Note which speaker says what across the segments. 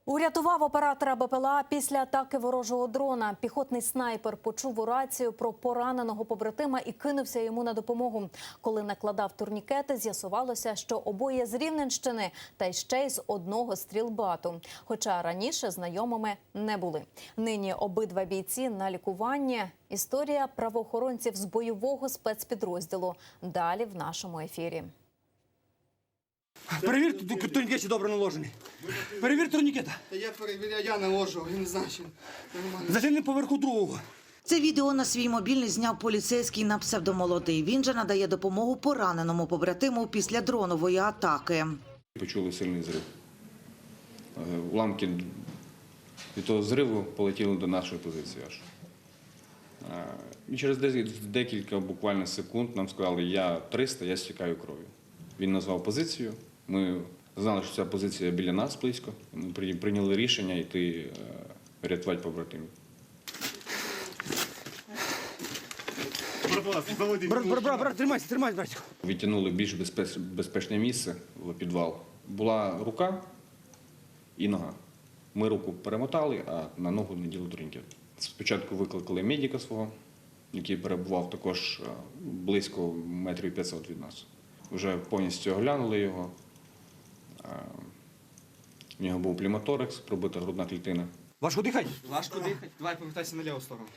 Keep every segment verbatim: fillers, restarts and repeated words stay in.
Speaker 1: Урятував оператора БПЛА після атаки ворожого дрона. Піхотний снайпер почув у рацію про пораненого побратима і кинувся йому на допомогу. Коли накладав турнікети, з'ясувалося, що обоє з Рівненщини та й ще й з одного стрілбату. Хоча раніше знайомими не були. Нині обидва бійці на лікуванні. Історія правоохоронців з бойового спецпідрозділу. Далі в нашому ефірі.
Speaker 2: Перевір, турнікет чи добре наложений. Перевір турнікета.
Speaker 3: Я перевіряю, я наложу, я не знаю, чим.
Speaker 2: Затягни поверху другого.
Speaker 4: Це відео на свій мобільний зняв поліцейський на псевдомолодий. Він же надає допомогу пораненому побратиму після дронової атаки.
Speaker 5: Почули сильний зрив. Уламки від того зриву полетіли до нашої позиції аж. І через декілька буквально секунд нам сказали, я триста, я стікаю кров'ю. Він назвав позицію, ми знали, що ця позиція біля нас близько. Ми прийняли рішення йти рятувати побратимів.
Speaker 2: Брат, брат, брат, брат, тримайся, тримайся, братику.
Speaker 5: Відтягнули в більш безпечне місце, в підвал. Була рука і нога. Ми руку перемотали, а на ногу наділи турнікет. Спочатку викликали медика свого, який перебував також близько метрів п'ятсот від нас. Вже повністю оглянули його. В нього був плімоторакс, пробита грудна клітина.
Speaker 2: Важко дихати?
Speaker 3: Важко дихати. Давай повертайся на ліву сторону.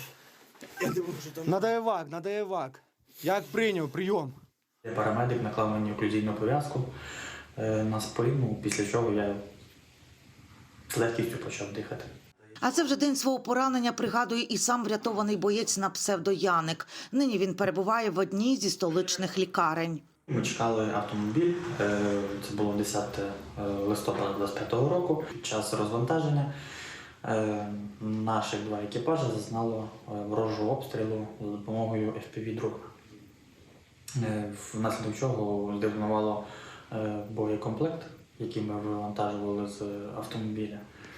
Speaker 2: Надо евак, надо евак. Як прийняв, прийом.
Speaker 6: Парамедик наклав мені оклюзійну пов'язку на спину, після чого я з легкістю почав дихати.
Speaker 4: А це вже день свого поранення пригадує і сам врятований боєць на псевдо Яник. Нині він перебуває в одній зі столичних лікарень.
Speaker 6: Ми чекали автомобіль, це було десяте листопада двадцять п'ятого року. Під час розвантаження наших два екіпажі зазнало ворожого обстрілу за допомогою еф пі ві-дрона. Внаслідок чого здетонувало боєкомплект, який ми вивантажували з автомобіля.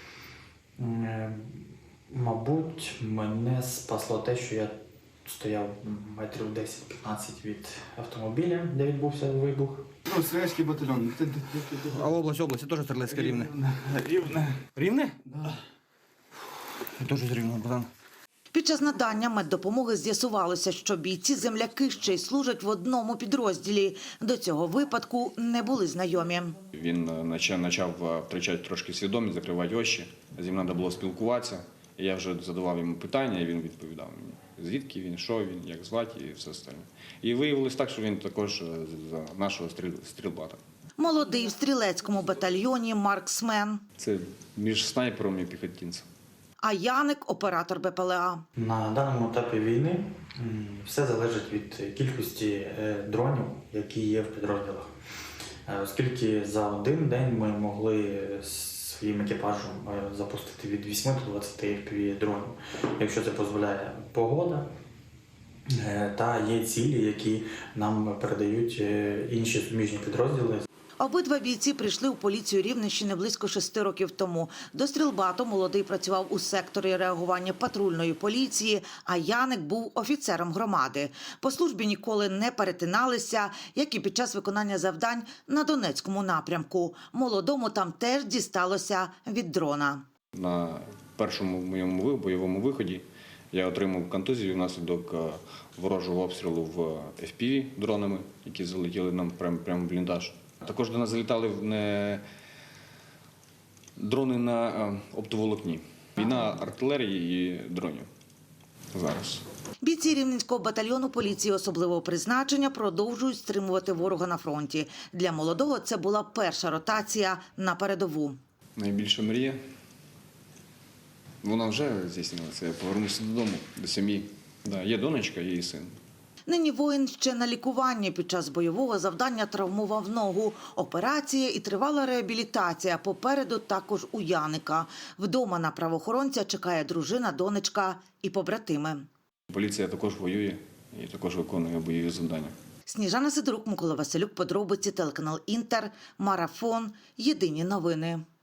Speaker 6: Мабуть, мене спасло те, що я стояв метрів десять-п'ятнадцять від автомобіля, де відбувся вибух.
Speaker 3: Ну, стрілецький батальйон.
Speaker 2: А область, область, теж стрілецьке Рівне.
Speaker 3: Рівне.
Speaker 2: Рівне?
Speaker 3: Да.
Speaker 2: Я теж з Рівного, братан.
Speaker 4: Під час надання меддопомоги з'ясувалося, що бійці-земляки ще й служать в одному підрозділі. До цього випадку не були знайомі.
Speaker 5: Він почав втрачати трошки свідомість, закривати очі. З ним треба було спілкуватися. І я вже задавав йому питання, і він відповідав мені. Звідки він, що він, як звати і все остальне. І виявилось так, що він також з нашого стрілбата.
Speaker 4: Молодий в стрілецькому батальйоні марксмен.
Speaker 5: Це між снайпером і піхотинцем.
Speaker 4: А Яник – оператор БПЛА.
Speaker 6: На даному етапі війни все залежить від кількості дронів, які є в підрозділах. Оскільки за один день ми могли своїм екіпажем запустити від вісьми до двадцяти еф пі ві-дронів, якщо це дозволяє погода та є цілі, які нам передають інші суміжні підрозділи.
Speaker 4: Обидва бійці прийшли у поліцію Рівненщини близько шести років тому. До стрілбату молодий працював у секторі реагування патрульної поліції, а Яник був офіцером громади. По службі ніколи не перетиналися, як і під час виконання завдань на Донецькому напрямку. Молодому там теж дісталося від дрона.
Speaker 5: На першому моєму бойовому виході я отримав контузію внаслідок ворожого обстрілу в еф пі ві-дронами, які залетіли нам прямо в бліндаж. Також до нас залітали не дрони на оптоволокні. Війна артилерії і дронів зараз.
Speaker 4: Бійці Рівненського батальйону поліції особливого призначення продовжують стримувати ворога на фронті. Для молодого це була перша ротація на передову.
Speaker 5: Найбільша мрія. Вона вже здійснилася. Я повернувся додому, до сім'ї. Да, є донечка, є і син.
Speaker 4: Нині воїн ще на лікуванні. Під час бойового завдання травмував ногу. Операція і тривала реабілітація. Попереду також у Яника. Вдома на правоохоронця чекає дружина, донечка і побратими.
Speaker 5: Поліція також воює і також виконує бойові завдання.
Speaker 4: Сніжана Сидорук, Микола Василюк, подробиці, телеканал Інтер, Марафон, Єдині новини.